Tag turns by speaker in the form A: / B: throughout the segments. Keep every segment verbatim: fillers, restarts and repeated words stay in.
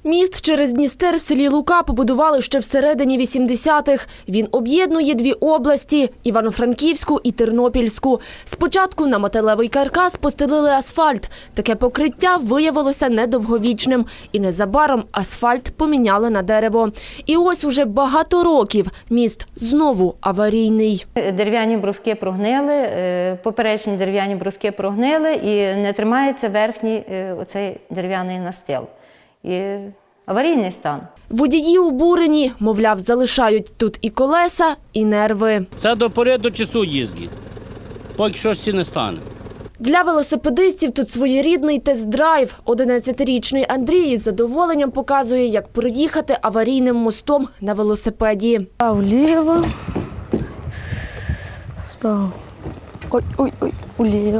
A: Міст через Дністер в селі Лука побудували ще всередині вісімдесятих. Він об'єднує дві області – Івано-Франківську і Тернопільську. Спочатку на металевий каркас постелили асфальт. Таке покриття виявилося недовговічним. І незабаром асфальт поміняли на дерево. І ось уже багато років міст знову аварійний.
B: Дерев'яні бруски прогнили, поперечні дерев'яні бруски прогнили і не тримається верхній оцей дерев'яний настил. І аварійний стан.
A: Водії обурені, мовляв, залишають тут і колеса, і нерви.
C: Це до пори до часу їздить, поки щось не стане.
A: Для велосипедистів тут своєрідний тест-драйв. одинадцятирічний Андрій із задоволенням показує, як проїхати аварійним мостом на велосипеді.
D: Став вліво. Став. Ой, ой, ой, вліво.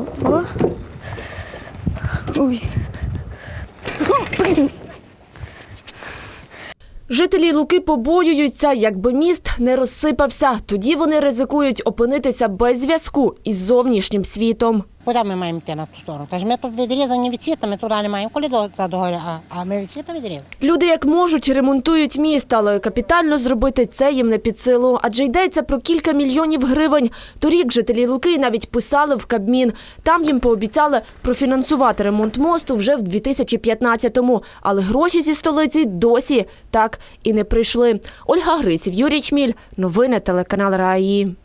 D: Ой.
A: Жителі Луки побоюються, якби міст не розсипався. Тоді вони ризикують опинитися без зв'язку із зовнішнім світом.
E: Куди ми маємо йти на ту сторону? Тож ми тут відрізані від світу, ми туди не маємо. Коли до догорі, а, а ми від світу відрізані.
A: Люди як можуть ремонтують міст, але капітально зробити це їм не під силу. Адже йдеться про кілька мільйонів гривень. Торік жителі Луки навіть писали в Кабмін. Там їм пообіцяли профінансувати ремонт мосту вже в дві тисячі п'ятнадцятому. Але гроші зі столиці досі так і не прийшли. Ольга Гриців, Юрій Чміль. Новини телеканал РАІ.